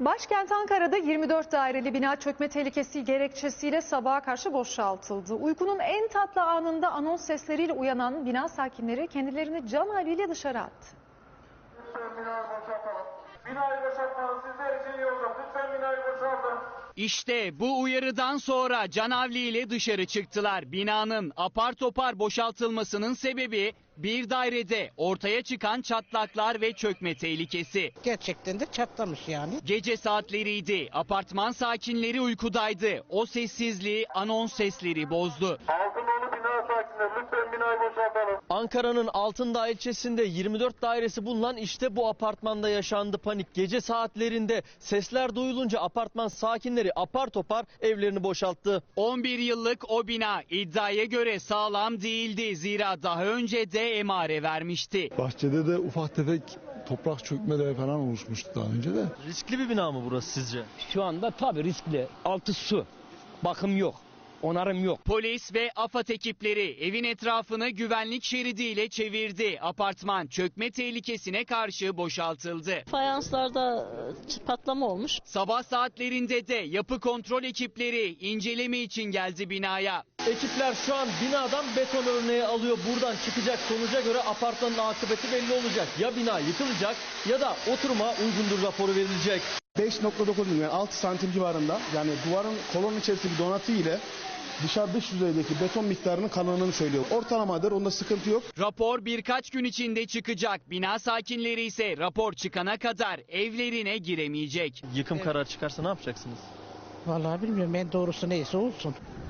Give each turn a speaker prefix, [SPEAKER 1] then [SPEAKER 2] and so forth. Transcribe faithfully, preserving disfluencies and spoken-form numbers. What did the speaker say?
[SPEAKER 1] Başkent Ankara'da yirmi dört daireli bina çökme tehlikesi gerekçesiyle sabaha karşı boşaltıldı. Uykunun en tatlı anında anons sesleriyle uyanan bina sakinleri kendilerini can havliyle dışarı attı.
[SPEAKER 2] Lütfen binayı boşaltalım. Binayı boşaltmanız sizler için iyi olacak. Lütfen binayı boşaltın.
[SPEAKER 3] İşte bu uyarıdan sonra canavliyle dışarı çıktılar. Binanın apar topar boşaltılmasının sebebi bir dairede ortaya çıkan çatlaklar ve çökme tehlikesi.
[SPEAKER 4] Gerçekten de çatlamış yani.
[SPEAKER 3] Gece saatleriydi. Apartman sakinleri uykudaydı. O sessizliği anons sesleri bozdu.
[SPEAKER 2] Altınolu bina sakinleri lütfen binayı boşaltalım.
[SPEAKER 5] Ankara'nın Altındağ ilçesinde yirmi dört dairesi bulunan işte bu apartmanda yaşandı panik. Gece saatlerinde sesler duyulunca apartman sakinleri apar topar evlerini boşalttı.
[SPEAKER 3] on bir yıllık o bina iddiaya göre sağlam değildi. Zira daha önce de emare vermişti.
[SPEAKER 6] Bahçede de ufak tefek toprak çökmeleri falan oluşmuştu daha önce de.
[SPEAKER 5] Riskli bir bina mı burası sizce?
[SPEAKER 7] Şu anda tabii riskli. Altı su. Bakım yok. Onarım yok.
[SPEAKER 3] Polis ve AFAD ekipleri evin etrafını güvenlik şeridiyle çevirdi. Apartman çökme tehlikesine karşı boşaltıldı.
[SPEAKER 8] Fayanslarda patlama olmuş.
[SPEAKER 3] Sabah saatlerinde de yapı kontrol ekipleri inceleme için geldi binaya.
[SPEAKER 5] Ekipler şu an binadan beton örneği alıyor. Buradan çıkacak sonuca göre apartmanın akıbeti belli olacak. Ya bina yıkılacak ya da oturuma uygundur raporu verilecek.
[SPEAKER 9] beş nokta dokuz milim yani altı santim civarında, yani duvarın kolonun içerisindeki donatı ile dışarı dış yüzeydeki beton miktarının kalınlığını söylüyor. Ortalamadır, onda sıkıntı yok.
[SPEAKER 3] Rapor birkaç gün içinde çıkacak. Bina sakinleri ise rapor çıkana kadar evlerine giremeyecek.
[SPEAKER 5] Yıkım kararı çıkarsa ne yapacaksınız?
[SPEAKER 4] Vallahi bilmiyorum, en doğrusu neyse olsun.